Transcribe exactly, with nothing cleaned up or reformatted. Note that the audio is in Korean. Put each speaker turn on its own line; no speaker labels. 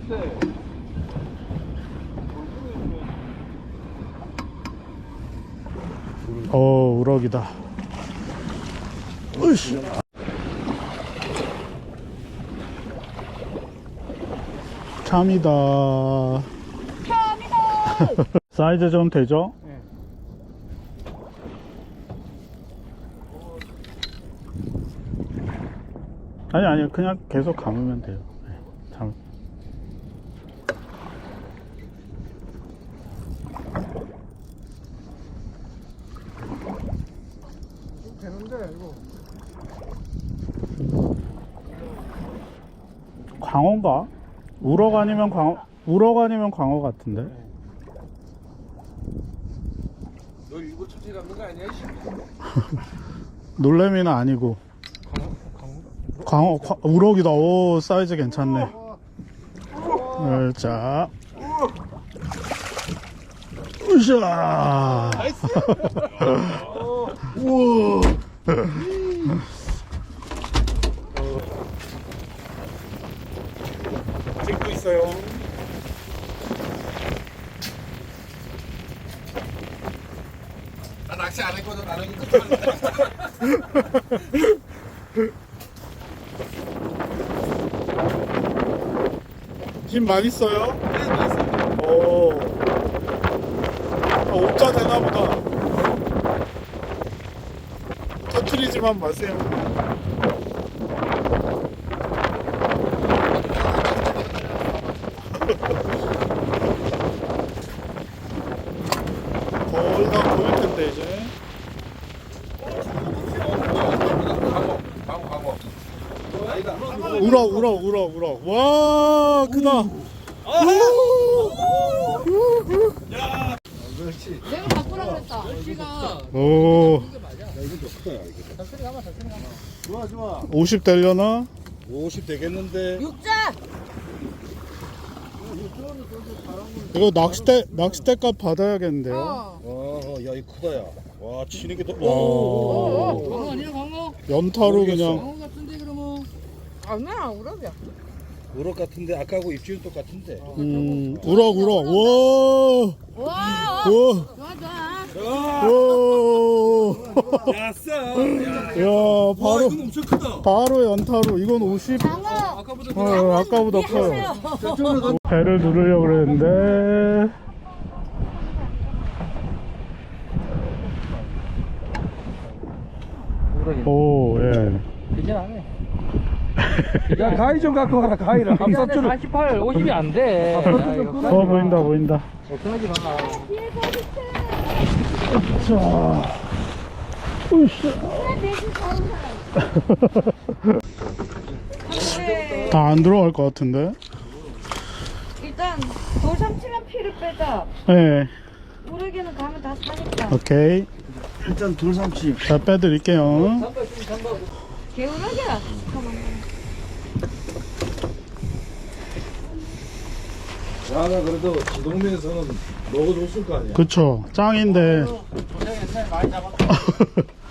네.
어, 우럭이다. 으이씨. 참이다.
참이다.
사이즈 좀 되죠?
네.
아니, 아니, 그냥 계속 감으면 돼요. 네, 참.
되는데 이거.
광어인가? 우럭 아니면 광어, 우럭 아니면 광어 같은데?
너 일부 처치 잡는 거 아니야?
놀래미는 아니고. 광어, 광어, 우럭이다. 오, 사이즈 괜찮네. 네, 자. 으쌰!
나이스.
우와! 찍고 있어요.
나 낚시 안 했거든. 나는 끝까지.
힘 많이 써요?
네, 나이스.
오. 아, 옥자 되나보다. 터트리지만 마세요. 거의 다 보일 텐데 이제.
광어, 광어, 광어. 아니다.
우럭, 우럭, 우럭, 우럭. 와, 크다.
그렇지.
내가 바꾸라 그랬다.
오,
야, 이거 좀 크다, 이거. 천천히 가봐, 천천히 가봐. 좋아, 좋아.
오십 되려나?
오십 되겠는데.
육자.
이거 낚싯대, 낚싯대 값 받아야겠는데요?
어.
어, 야, 이거 크다, 야. 와, 치는 게 더.
와.
어.
광어 아니야 광어?
연타로 그냥.
광어 같은데 그러면.
아니야, 우럭이야.
우럭 같은데 아까하고 입질은 똑같은데.
음, 우럭, 우럭. 와,
와,
와,
좋아, 좋아.
와.
야싸.
야,
와,
바로,
이건 엄청 크다.
바로 연타로. 이건 오십.
장어.
아까보다
어, 아까보다
네,
커요.
하세요.
배를 누르려고 그랬는데. 오, 예.
괜찮네.
야, 가위 좀 갖고 와라, 가위를.
감사줄 사십팔, 오십이 안 돼.
어, 보인다, 보인다.
걱정하지 마.
자, 으쌰. 다 안 들어갈 것 같은데?
일단 돌삼치만 피를 빼자.
네,
우럭에는 가면 다 사니까.
오케이.
일단 돌삼치.
자, 빼드릴게요.
개우럭이야. 잠깐만.
야, 나 그래도 지동네에서는 먹어줬을 거 아니야.
그쵸, 짱인데.
고생했네, 많이 잡았다.